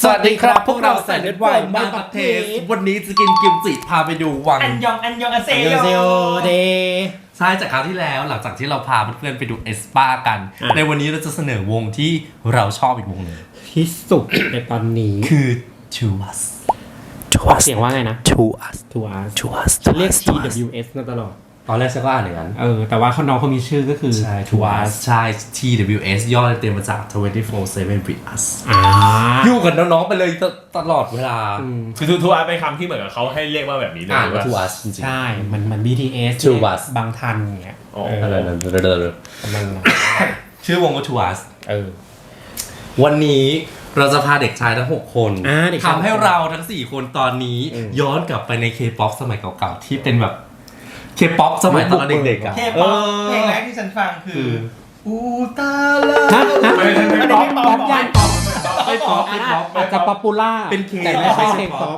สวัสดีครับพวกเราแสนเลือดวายมาปักเทสวันนี้จะกินกิมจิพาไปดูวังอันยองอาเซโยเดใช่จากคราวที่แล้วหลังจากที่เราพาเพื่อนๆไปดูเอสปากันในวันนี้เราจะเสนอวงที่เราชอบอีกวงหนึ่งที่สุดในตอนนี้คือ To Us เสียงว่าไงนะ To Us To Us ฉันเรียก TWS มาตลอดตอนแรกฉันก็อ่านอย่างนั้นแต่ว่าน้องเขามีชื่อก็คือ To Us ใช่ TWS ย่อเต็มมาจาก 24/7 with us อยู่กับน้องๆไปเลยตลอดเวลาคือทูอาร์เป็นคำที่เหมือนกับเขาให้เรียกว่าแบบนี้เลยว่า To Us จริงๆใช่มัน BTS To Us บางทันอย่างเงี้ยชื่อวงว่า To Us วันนี้เราจะพาเด็กชายทั้ง6คนทำให้เราทั้ง4คนตอนนี้ย้อนกลับไปใน K-POP สมัยเก่าๆที่เป็นแบบ K-POP สมัยตอนเด็กๆอ่ะ K-POP เพลงแรกที่ฉันฟังคืออูตาลาไม่ป๊อปยันป๊อปไม่ป๊อปอาจจะป๊อปปูล่าเป็นเคแต่ไม่ใช่เพลงป๊อป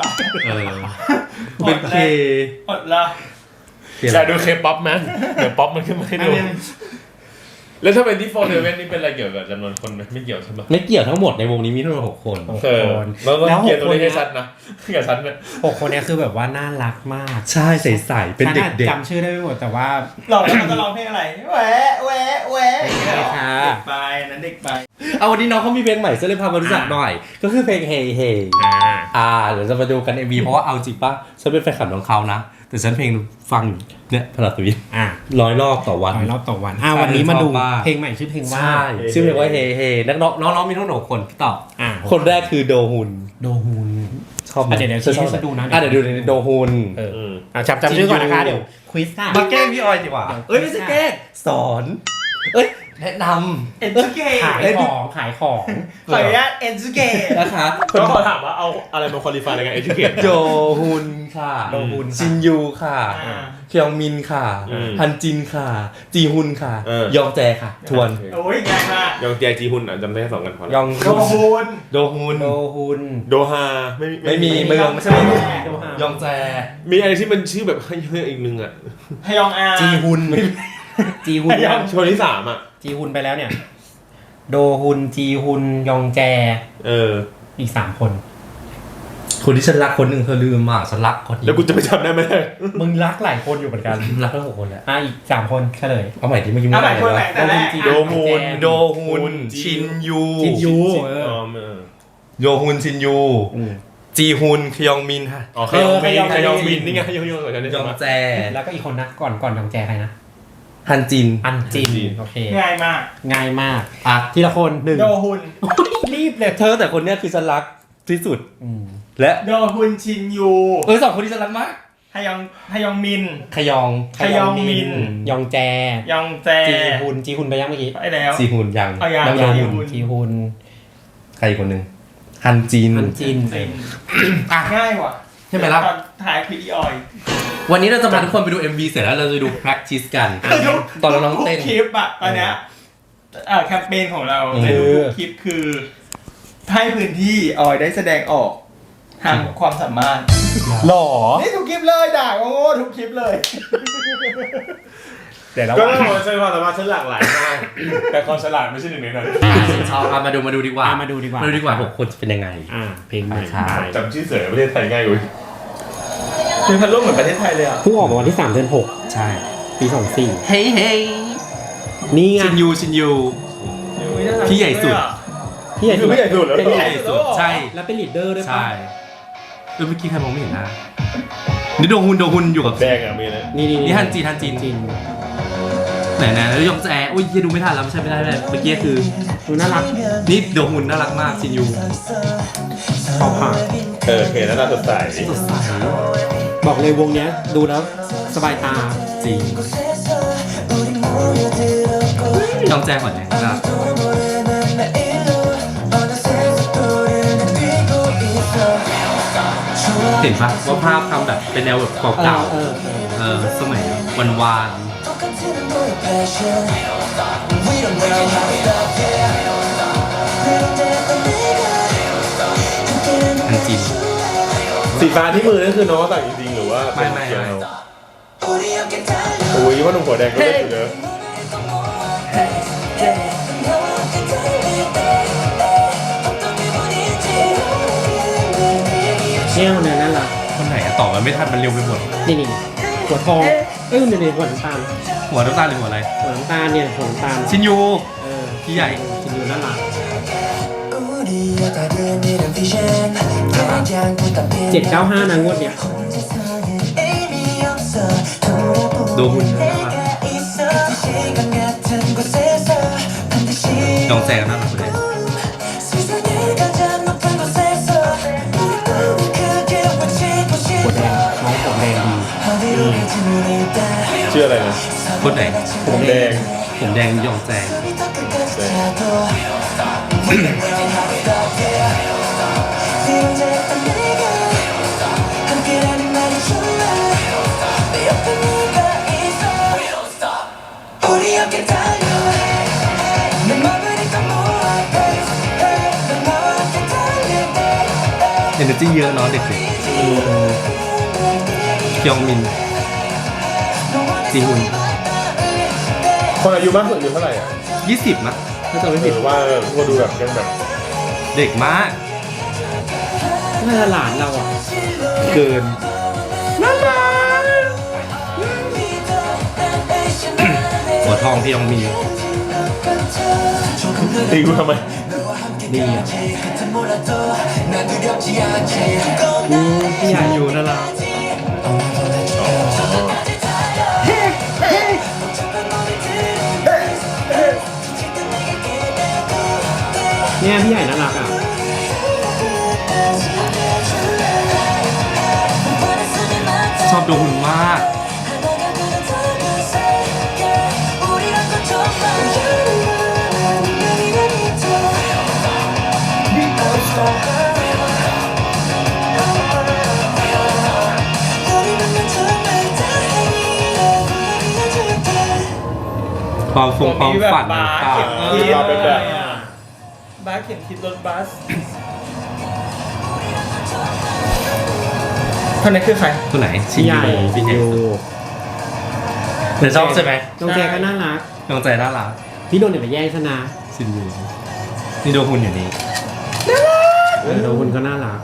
เป็นเคอดละอยากดูเคป๊อปไหมเดี๋ยวป๊อปมันขึ้นมาให้ดูแล้วถ้าเป็นที่4/7นี่เป็นอะไรเกี่ยวกับจำนวนคนไหมไม่เกี่ยวใช่ไหมไม่เกี่ยวทั้งหมดในวงนี้มีทั้งหมด6 คนแล้วเกี่ยวตัวเลขให้ชัดนะกับฉันเนี่ย 6 คนนี้คือแบบว่าน่ารักมากใช่ใสๆเป็นเด็กจำชื่อได้ไม่หมดแต่ว่าเราจะร้องเพลงอะไรแหวะเด็กไปนั้นเด็กไปเอาวันนี้น้องเขามีเพลงใหม่จะเลยพามารู้จักหน่อยก็คือเพลง Hey Hey เดี๋ยวจะมาดูกัน MV เพราะว่าเอาจริงป่ะฉันเป็นแฟนคลับของเขานะแต่ฉันเพลงฟังเนี่ยพลัดวิน100 รอบต่อวันวันนี้มาดูเพลงใหม่ชื่อเพลงว่าชื่อเพลงว่า Hey Hey น้องมีทั้งหมด6 คนพี่ตอบคนแรกคือโดฮุนชอบเดี๋ยวให้ดูนะเดี๋ยวดูในโดฮุนจำชื่อก่อนนะคะเดี๋ยวควิสค่ะมาแกล้งพี่ออยดีกว่าไม่ใช่แกล้งสอนแนะนำเอ็นซูเกะขายของขออนุญาตเอ็นซูเกะนะคะก็ขอถามว่าเอาอะไรมาควอลิฟายในการเอ็นซูเกะโดฮุนค่ะชินยูค่ะเคียงมินค่ะฮันจินค่ะจีฮุนค่ะยองแจค่ะทวนโอ้ยง่ายมากยองแจจีฮุนจำได้แค่2 กันพอยองโดฮุนโดฮาไม่มีเมืองไม่ใช่ยองแจมีอะไรที่มันชื่อแบบให้อีกนึงอ่ะฮยองอาจีฮุนชนที่3อ่ะจีฮุนไปแล้วเนี่ยโดฮุนจีฮุนยองแจอีก3 คนที่ฉันรักคนหนึ่งเธอลืมฉันรักคนแล้วกูจะไปจำได้ไหมมึงรักหลายคนอยู่เหมือนกันรักทั้ง6 คนแหละอีก3 คนเฉลยเอาใหม่ที่เมื่อกี้ไม่ได้เลยโดฮุนชินยูโดฮุนชินยูจีฮุนคยองมินค่ะคยองมินนี่ไงยองแจแล้วก็อีกคนนะก่อนยองแจใครนะฮันจินโอเคง่ายมากทีละคน1 โดฮุนรีบเลยเธอแต่คนนี้คือฉันรักที่สุดและโดฮุนชินยู 2 คนที่ฉันรักมากฮยองมินขยองมินยองแจจีฮุนไปยังเมื่อกี้ไปแล้วจีฮุนยังจีฮุนใครอีกคนนึงฮันจินง่ายว่ะใช่ไหมล่ะถ่ายพีดีออยวันนี้เราจะพาทุกคนไปดู MV เสร็จแล้วเราจะดู practice กันตอนน้องเต้นคลิปตอนเนี้ยแคมเปญของเราในทุกคลิปคือให้พื้นที่ออยได้แสดงออกทางความสามารถหล่อนี่ทุกคลิปเลยด่าโง่ทุกคลิปเลยก็ต้องบอกว่าฉันความสามารถฉันหลากหลายมากแต่ความฉลาดไม่ใช่1 ในนั้นมาดูดีกว่า6 คนจะเป็นยังไงเพลงใหม่จำชื่อเสือประเทศไทยง่ายกว่าเพลงพันลุ่มเหมือนประเทศไทยเลยเพิ่งออกมาวันที่3 เดือน 6ใช่ปี24 เฮ้ยนี่ไงชินยูพี่ใหญ่สุดคือพี่ใหญ่สุดแล้วเป็นใหญ่สุดใช่แล้วเป็นลีดเดอร์ด้วยป่ะใช่เมื่อกี้ใครมองไม่เห็นนะนี่โดฮุนอยู่กับแดงมีเลยนี่ฮันจินไหนแล้วยองแจยังดูไม่ทันแล้วไม่ใช่เมื่อกี้คือดูน่ารักนี่โดฮุนน่ารักมากชินยูเขาผ่านเห็นแล้วน่าสดใสบอกเลยวงเนี้ยดูแล้วสบายตาจริงยองแจก่อนเนี่ยนะเห็นปะว่าภาพทำแบบเป็นแนวแบบเก่าๆสมัยวานฮันจินสีฟ้าที่มือนั่นคือน้องแต่งจริงๆหรือว่าไม่โอ้ยว่าหนุ่มหัวแดงก็ได้อยู่เนอะเนี่ยคนนั้นน่ารักคนไหนอะตอบมันไม่ทันมันเร็วไปหมดนี่หัวทองนี่หัวน้ำตาลหัวน้ำตาลหรือหัวอะไรหัวน้ำตาลเนี่ยหัวน้ำตาลชินยูพี่พี่ใหญ่ชินยูน่ารัก795นะงวดเนี้ยโดฮุนน่ารักยองแซงน่ารักเลยหัวแดงน้องผมแดงดีชื่ออะไรนะคนไหนผมแดงผมแดงยองแซง เอเนอร์จีเยอะเนาะเด็กๆยองมินจีฮุนคนอายุมากสุดอายุเท่าไหร่อ่ะ 20มั้ยถ้าจำไม่ผิดว่าว่าดูแบบยังแบบเด็กมากน่าจะหลานเราอ่ะเกินหัวทองที่ยองมีตีกูทำไมดีอ่ะพี่ใหญ่อยู่นั่นแหละเนี่ยพี่ใหญ่น่ารักอ่ะชอบโดฮุนมาก ความฝันมีแบบต่างบาร์เข็มๆทิศมาเป็นแบบบาร์เข็มทิศรถบัสคนนี้คือใครตัวไหนชิพี่นใหญ่ยูพี่ใหญ่ยูเธอชอบใช่ไหมน้องแจก็น่ารักยองใจน่ารักพี่โดนเนี่ยไปแย่งชนะชินยูนี่โดฮุนอยู่นี่โดนคนก็น่ารัก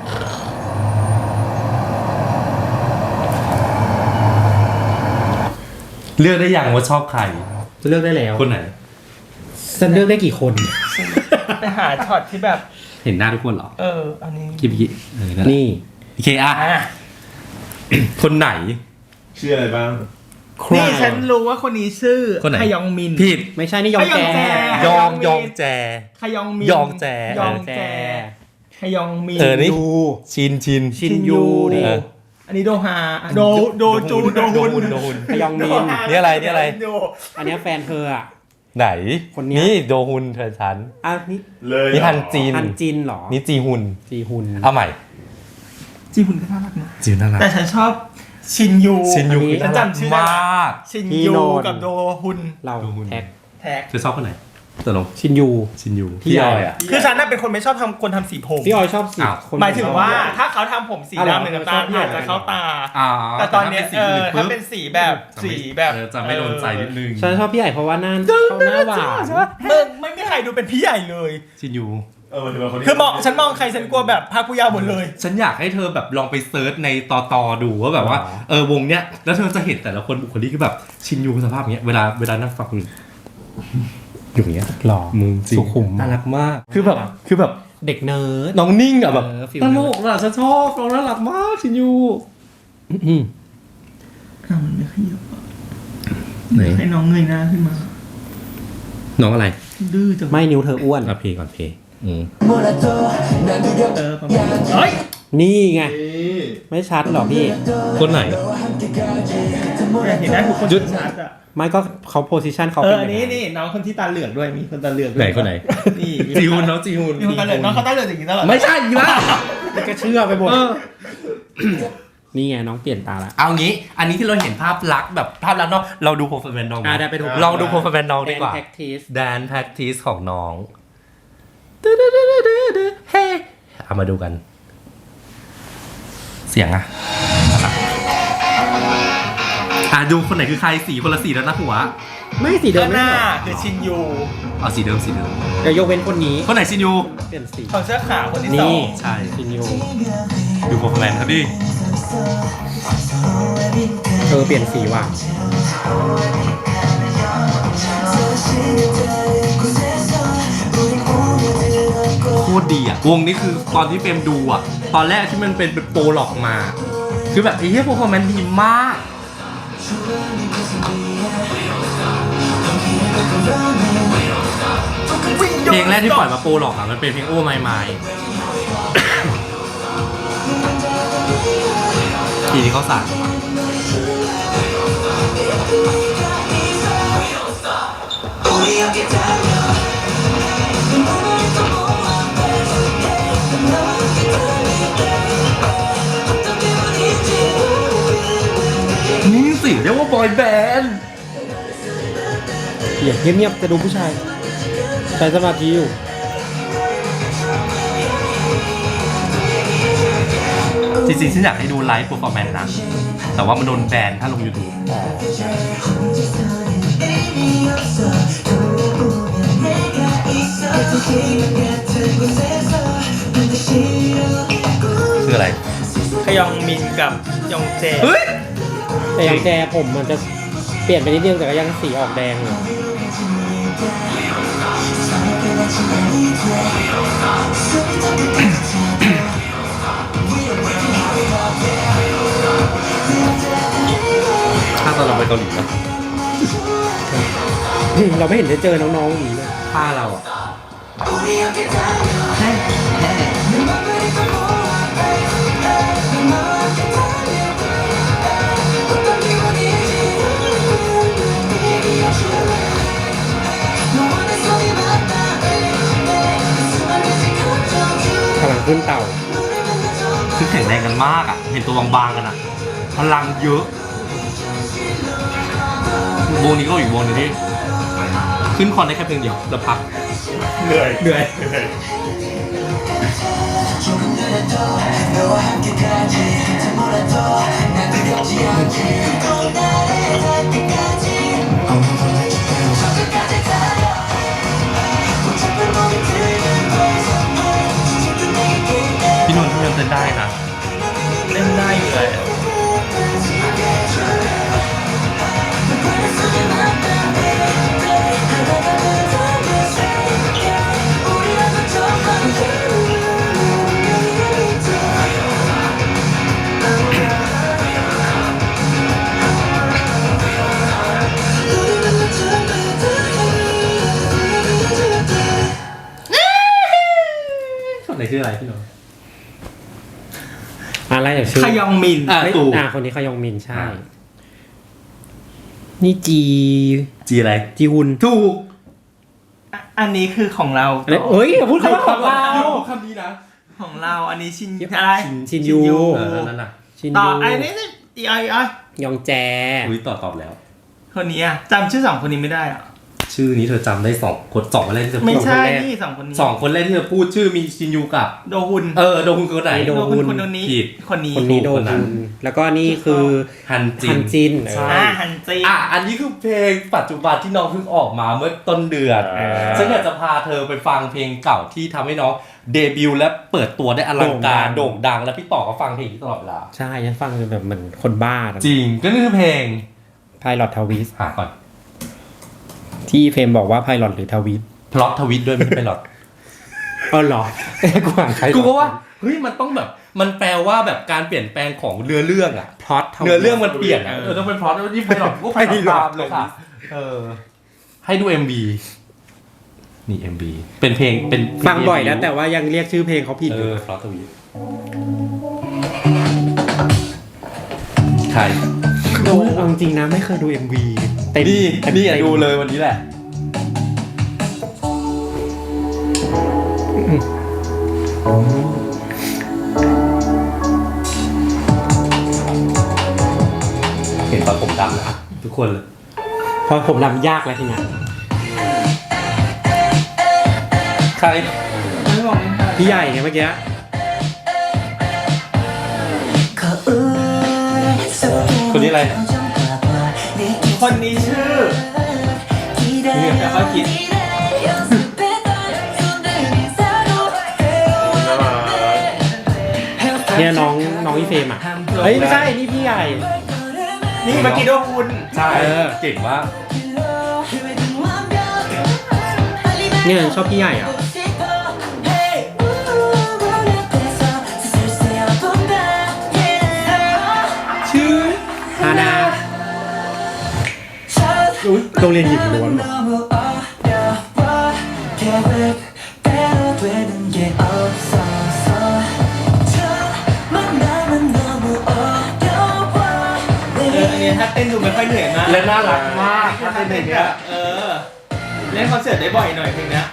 เลือกได้อย่างว่าชอบใครจะเลือกได้แล้วคนไหนจะเลือกได้กี่คนไปหาช็อตที่แบบเห็นหน้าทุกคนเหรออันนี้กี่นั่นแหละนี่โอเคอ่ะ คนไหนชื่ออะไรบ้างนี่ฉันรู้ว่าคนนี้ชื่อคนไหนขยองมินผิดไม่ใช่นี่ยองแจยองยองแจขยองมินยองแจยองแจขยองมินนี่ยูชินชินยูเอออันนี้โดฮาโดจูโดฮุนโดฮุนขยองมินนี่อะไรนี่อะไรอันเนี้ยแฟนเธออ่ะไหนคนเนี้ยนี่โดฮุนเธอฉันอ่ะนี่เลยนี่ฮันจีนฮันจินเหรอนี่จีฮุนจีฮุนเอาใหม่จีฮุนก็น่ารักนะจีน่ารักแต่ฉันชอบชินยูชินยูฉันจำชื่อได้มากชินยูกับโดฮุนเราโดฮุนแท็กแท็กเธอชอบคนไหนตกลงชินยูชินยูพี่ใหญ่อ่ะคือฉันน่ะเป็นคนไม่ชอบทำคนทำสีผมพี่ออยชอบสีอ้าวคนหมายถึงว่าถ้าเขาทำผมสีอ้าวเหรอดำหรือน้ำตาลชอบอาจจะเข้าตา แต่ตอนเนี้ยถ้าเป็นสีแบบสีแบบจะไม่โดนใจนิดนึงฉันชอบพี่ใหญ่เพราะว่าเขาหน้าหวานมึงไม่มีใครดูเป็นพี่ใหญ่เลยชินยูมันถือว่าคนนี้คือมองฉันมองใครฉันกลัวแบบภาคผู้ยาวหมดเลยฉันอยากให้เธอแบบลองไปเซิร์ชในต่อดูว่าแบบว่าวงเนี้ยแล้วเธอจะเห็นแต่ละคนบุคลิกคือแบบชินยูสภาพเนี้ยเวลานั่งฟังอยู่อย่างเงี้ยหล่อมึงจริงสุขุมน่ารักมากคือแบบเด็กเนิร์ดน้องนิ่งอ่ะแบบฟิลตลกอ่ะฉันชอบน้องน่ารักมากชินยูมันไม่ขยับไหนให้น้องเงยหน้าขึ้นมาน้องอะไรดื้อจังไม่นิ้วเธออ้วนเพลงก่อนเพลงประมาณเฮ้ยนี่ไง ไม่ชัดหรอพี่คนไหนเห็นได้ทุกคนหยุดชัดอ่ะไม่ก็เขาโพสิชันเขาอัเป็นนนี้นี่น้องคนที่ตาเหลือกด้วยมีคนตาเหลือกด้วยไหนคนไหนนี่จีฮุนน้องจีฮุนมีคนตาเหลือกน้องเขาตาเหลือกอย่างนี้ตลอดไม่ใช่อีกแล้วนี่ก็เชื่อไปหมดนี่ไงน้องเปลี่ยนตาละเอางี้ อันนี้ที่เราเห็นภาพลักษณ์แบบภาพลักษณ์เนาะเราดูโปรแฟนน้องได้ไปดูลองดูโปรแฟนน้องดีกว่าแพ็กทีสแดนแพ็กทีสของน้องเฮ้เอามาดูกัน เสียงอะดูคนไหนคือใครสีคนละสีแล้วนะหัวไม่สีเดิมข้างหไม่น้าใช่เหรอคือชินยูเอาสีเดิมเดี๋ยวยกเว้นคนนี้คนไหนชินยูเปลี่ยนสีของเสื้อขาวคนที่สอนี่งใช่ชินยูดูโปรแมนครับดิเปลี่ยนสีว่ะโคตรดีอ่ะวงนี้คือตอนที่เฟรมดูอ่ะตอนแรกที่มันเป็นโปรหลอกมา คือแบบไอ้เหี้ยโปรแมนดีมากเพลงแรกที่ปล่อยมาโปรหลอกอ่ะมันเป็นเพลงโอ้ไม่ไม่ทีที่เขาสั่งนี่สิเรียกว่าบอยแบนด์เงียบๆจะดูผู้ชายใช้สมาธิอยู่จริงๆฉันอยากให้ดูไลฟ์เปอร์ฟอร์แมนซ์นะแต่ว่ามันโดนแบนถ้าลง YouTube คืออะไรขยองมินกับยองเจเฮ้ยแต่ยังแกผมมันจะเปลี่ยนไปนิดนึงแต่ก็ยังสีออกแดงอยู่ถ้าตอนเราไปเกาหลีนะเราไม่เห็นได้เจอน้องๆอย่างนี้เลยถ้าเราอ่ะพลังขึ้นเต่าคือแข็งแรงกันมากอ่ะ เห็นตัวบางๆกันอ่ะ พลังเยอะวงนี้ก็อยู่วงนึงที่ขึ้นคอนได้แค่เพลงเดียวแล้วพักเหนื่อยเหนื่อย พี่นนท์พี่ยังเต้นได้นะเล่นได้อยู่เลยคนไหนชื่ออะไรพี่นนท์อะไรอย่างชื่อขยองมินอ่ะเฮ้ยตู่คนนี้ขยองมินใช่อ่านี่จีจีอะไรจีฮุนถูกอันนี้คือของเราเอ้ยอย่าพูดคำว่าของเราคำนี้นะของเราอันนี้ชินอะไรชินยูนั่นน่ะชินต่อยูอันนี้อีไอยองแจอุ้ยตอบแล้วคนนี้อะจำชื่อสองคนนี้ไม่ได้อะชื่อนี้เธอจำได้สองคนแรกที่เธอพูไม่ดใช่นี่สองคนนี้สองคนแรกที่เธอพูดชื่อมีชินยูกับโดฮุนโดฮุนคนไหนโดฮุนคนนี้ผิดคนนี้คนนี้โดคนนั้ฮุนนแล้วก็นี่คือฮันจิฮันนจินใช่ฮันจีอันนี้คือเพลงปัจจุบันที่น้องเพิ่งออกมาเมื่อต้นเดือนฉันอยากจะพาเธอไปฟังเพลงเก่าที่ทำให้น้องเดบิวต์และเปิดตัวได้อลังการโด่งดังและพี่ต่อก็ฟังเพลงนี้ตลอดเวลาใช่ฉันฟังจนแบบเหมือนคนบ้าจริงก็นี่คือเพลงไพลอตทวิสหาก่อนที่เฟรมบอกว่าไพลอตหรือทวิสพล็อตทวิตด้วยไม่ใช่ไปหรอกเหรอกูอ่านใครกูก็ว่าเฮ้ยมันต้องแบบมันแปลว่าแบบการเปลี่ยนแปลงของเนื้อเรื่องอะพล็อตเนื้อเรื่องมันเปลี่ยนอะต้องเป็นพล็อตที่ไปหลอกก็ไปหลอกเลยค่ะให้ดู MV นี่ MV เป็นเพลงเป็นฟังบ่อยแล้วแต่ว่ายังเรียกชื่อเพลงเขาผิดอยู่พล็อตทวิตใครดูเอาจริงนะไม่เคยดู MV เต็มนี่อ่ะดูเลยวันนี้แหละเห็นตอนผมดำนะทุกคนเลยพอผมดำยากแล้วทีเนี้ยใครไม่บอกไม่ทันพี่ใหญ่ไงเมื่อกี้คนนี้อะไรคนนี้ชื่อแล้วก็คิดเนี่ยน้องอีเฟมอ่ะเฮ้ยไม่ใช่นี่พี่ใหญ่นี่เมื่อกี้โดนคุณใช่เก่งมากเนี่ยชอบพี่ใหญ่อ่ะชื่อฮานาโรงเรียนหญิงล้วนเหรออันนี้ถ้าเต้นดูไม่ค่อยเหนื่อยมากและน่ารักมากถ้าเป็นอย่างเงี้ยเล่นคอนเสิร์ตได้บ่อยหน่อยเพลงนี้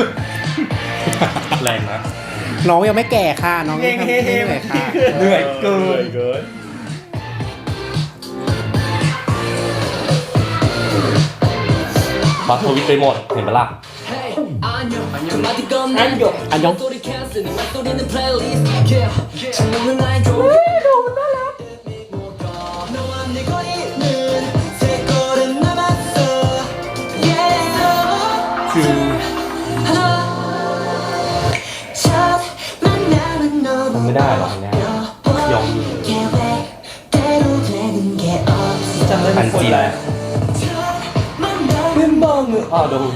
แรงนะน้องยังไม่แก่ค่ะน้องเพลงยังเฮ้ไม่เฮ้เหนื่อยค่ะเหนื่อยเกินเกินปัดทวิตไปหมดเห็นปะล่ะอันยองทำไม่ได้หรอกเนี่ยยองมีจำได้อัทุนกคนจีเลแล้ยวเล่นบ้างเลยอ๋อดู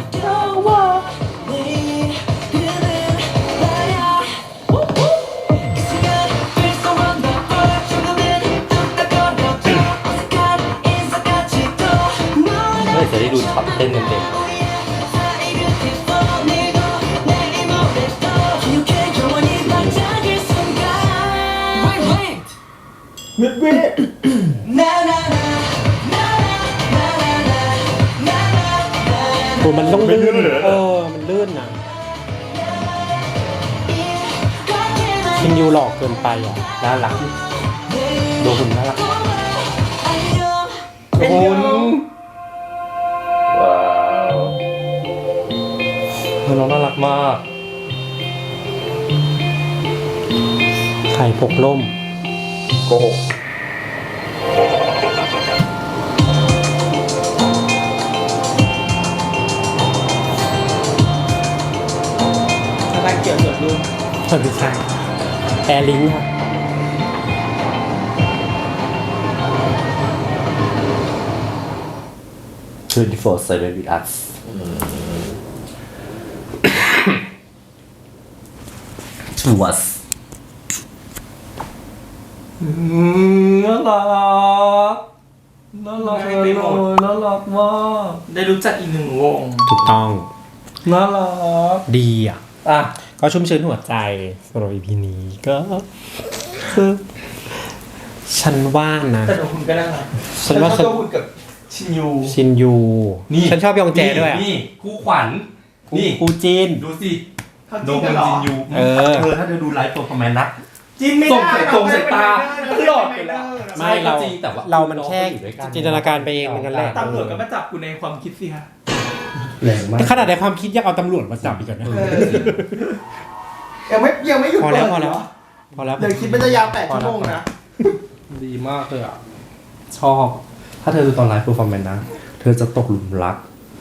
เมื่อจะได้ดูช็อตเต้นเต็มมิดเวทโหมันต้องลื่นมันลื่นนะชินยูหลอกเกินไปอ่ะๆน่ารักดูหุ่นน่ารักเป็นหุ่นยูว้าวน้องน่ารักมากไข่ปกล่มโกหกอะไรเกี่ยวกับลูกไม่ใช่แอร์ลิงค่ะ 24/7 with us to us น่ารักน่ารักเลยน่ารักมากได้รู้จักอีกหนึ่งวงถูกต้องน่ารักดีอ่ะอ่ะก็ชุ่มชื้นหัวใจสำหรับ EP นี้ก็คือฉันว่านะแต่โดนคุณก็น่ารักฉันว่าชอบคุณกับชินยูชินยู ฉันชอบยองแจด้วยอ่ะนี่คู่ขวัญนี่กูจีนดูสิเขาโดจิ้นนกันเหรอจินยูเออถ้าเธอดูไลฟ์ตัวคอมเมนต์นะจิ้นไม่ส่งได้ส่งสายตาหลอดไปแล้วไม่เราจริงแต่ว่าเรามันแค่อยู่ด้วยกันจินตนาการไปเองเหมือนกันแหละตำรวจก็มาจับคุณในความคิดสิฮะแรงมากขนาดในความคิดยังเอาตำรวจมาจับอีกเหรอเนี่ยยังไม่หยุดพอแล้วเปิดพอแล้วเหรพอแล้วเดี๋ยวคิดมันจะยาว8 ชั่วโมงนะดีมากเลยอ่ะ ชอบ ถ้าเธอดูตอนไลฟ์เพอร์ฟอร์แมนซ์นะ เธอจะตกหลุมรัก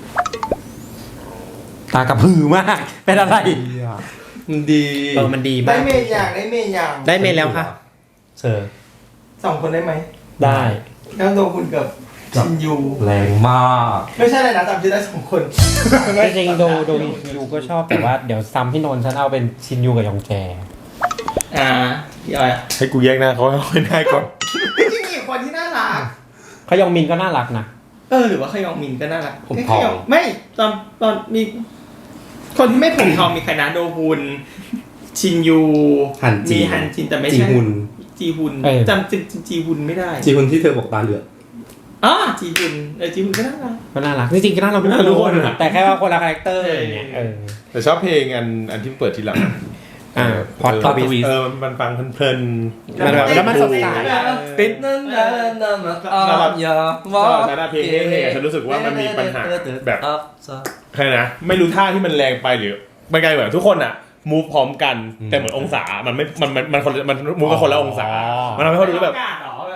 ตากระพือมาก เป็นอะไรมันดีมันดีได้มากเมย์อย่างได้เมย์อย่างได้เมนแล้วค่ะเธอ 2 คนได้ไหมได้แล้วโดนคุณกับชินยูแรงมากไม่ใช่อะไรนะจำชื่อได้2 คนจริงๆโดยูก็ชอบแต่ว่าเดี๋ยวซ้ำพี่นนท์ฉันเอาเป็นชินยูกับยองแจพี่ออยให้กูแยกหน้าเขาให้ได้ก่อนจริงๆอีกคนที่น่ารักเขายองมินก็น่ารักนะหรือว่าขยองมินก็น่ารักผมขทองยไม่ตอนมี คนที่ไม่ผมทองมีใครนะโดฮุนชินยูฮันจีมีฮันจินแต่ไม่จีใช่ฮุนจีฮุนจำจีฮุนไม่ได้จีฮุนที่เธอบอกตาเหลือกจีฮุนจีฮุนก็น่ารักก็น่ารักจริงๆก็น่ารักทุกคนแต่แค่ว่าคนละคาแรคเตอร์อย่างเงี้ยแต่ชอบเพลงอันที่เปิดทีหลังพอด Plot Twist มันฟังเพลินมันแบบแล้วมันสดใสปิดนั่นนะนะมาอย่าก็ฉันเพลงนี้ฉันรู้สึกว่ามันมีปัญหาแบบใครนะไม่รู้ท่าที่มันแรงไปหรือไม่ไกลเหมือนทุกคนอ่ะมูฟพร้อมกันแต่เหมือนองศามันไม่มันคนมันมูฟกันคนละองศามันทำให้เขาดูแบบ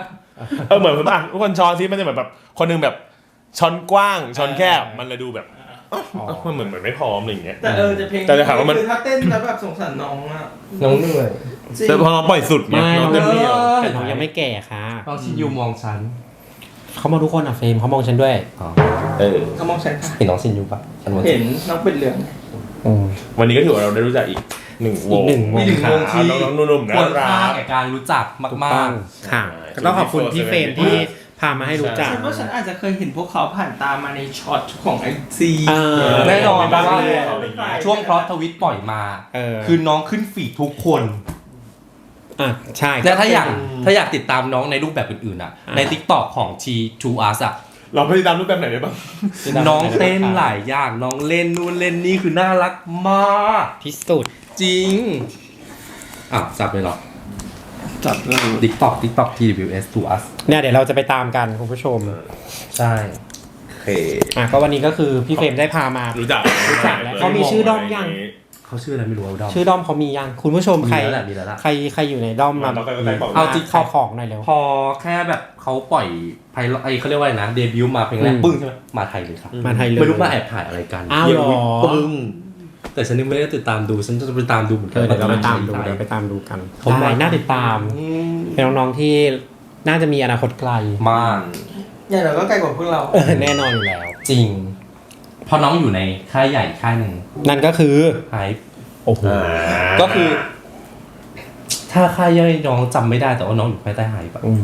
เหมือนทุกคนช้อนที่มันจะเหมือนแบบคนนึงแบบช้อนกว้างช้อนแคบมันเลยดูแบบมันเหมือนไม่พร้อมอะไรอย่างเงี้ยแต่จะเพลงแต่จะถามว่ามันคือถ้าเต้นแล้วแบบสงสารน้องอะน้องเหนื่อยจริงแต่พอเราปล่อยสุดเนี่ยน้องเต็มที่อะแต่น้องยังไม่แก่ค่ะน้องชินยูมองฉันเขามองทุกคนอ่ะเฟรมเขามองฉันด้วยเขามองฉันค่ะเห็นน้องชินยูปะฉันมองเห็นน้องเป็นเหลืองวันนี้ก็ถือว่าเราได้รู้จักอีกหนึ่งวงอีกหนึ่งวงมีหนึ่งวงที่น้องๆนุ่มๆน่าควรรัค่าก แก่การรู้จักถูกมาต้กองค่ะก็ต้องขอบคุณพี่เฟรมที่พามาให้รู้จักฉันว่าฉันอาจจะเคยเห็นพวกเขาผ่านตามมาในช็อตของไอซีๆแน่นอนเพราะว่าช่ช่ววงงพลอตทวิตปล่อยมาคือคือน้องขึ้นฟีดทุกคนใช่และถ้าอยากติดตามน้องในรูปแบบอื่นๆอ่ะ ใน TikTok ของ T2Us อ่ะเราไปตามรูปแบบไหนได้บ้างน้องเต้นหลายอย่างน้องเล่นนู่นเล่นนี่คือน่ารักมากที่สุดจริงจับเลยเหรอจับเลย TikTok TWS2Us เนี่ยเดี๋ยวเราจะไปตามกันคุณผู้ชมใช่โอเคก็วันนี้ก็คือพี่เฟรมได้พามารู้จักแล้วเขามีชื่อด้อมยังเขาชื่ออะไรไม่รู้เอาดอมชื่อด้อมเขามียังคุณผู้ชมใครมีแล้วแหละมีแล้วล่ะใครอยู่ในด้อมมาเอาจริงขอของหน่อยเร็วพอแค่แบบเขาปล่อยไพลอตเขาเรียกว่าอะไรนะเดบิวต์มาเพลงแรกปึ้งใช่ไหมมาไทยเลยครับมาไทยเลยไม่รู้มาแอบถ่ายอะไรกันอ้าวเหรอปึ้งแต่ฉันยังไม่ได้ติดตามดูฉันจะไปตามดูเหมือนกัเดี๋ยวเราไปตามดูว่เดี๋ยวไปตามดูกันผมได้น่าติดตาม เป็นน้องๆที่น่าจะมีอนาคตไกลมากอย่างเราก็ไกลกว่าพวกเราแน่นอนอยู่แล้วจริงเพราะน้องอยู่ในค่ายใหญ่ค่ายหนึ่งนั่นก็คือไฮโอ้โหก็คือ ถ้าค่ายย่อยน้องจำไม่ได้แต่ว่าน้องอยู่ภายใต้ไฮปะ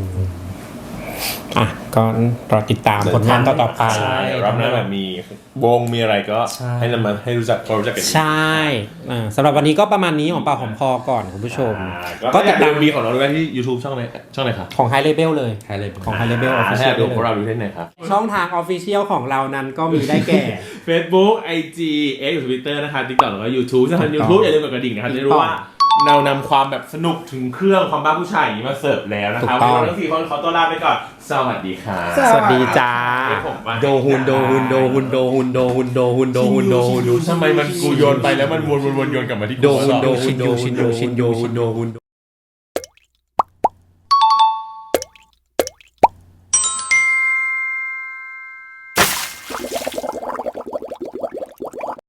ก็รอติดตามผลงานต่อๆไปใช่รับหน้าแบบมีวงมีอะไรก็ให้นำมาให้รู้จักคนรู้จักกันใช่สำหรับวันนี้ก็ประมาณนี้ของปากหอมคอก่อนคุณผู้ชมก็ติดตามมีของเราด้วยที่ YouTube ช่องไหนครับของ High Label เลยไฮเลยของ High Label ให้ Official ดูพวกเราดูที่ไหนครับช่องทาง Official ของเรานั้นก็มีได้แก่ Facebook IG X Twitter นะครับ TikTok แล้วก็ YouTube ถ้าทาง YouTube อย่าลืมกดกระดิ่งนะครับจะได้รู้ว่าเรานำความแบบสนุกถึงเครื่องความบ้าผู้ชายอย่างนี้มาเสิร์ฟแล้วนะครับถูกต้องวันนี้เราทั้ง4คนขอตัวลาไปก่อนสวัสดีครับสวัสดีจ้าโดฮุนทำไมมันกูโยนไปแล้วมันวนโยนกลับมาที่กูโดฮุน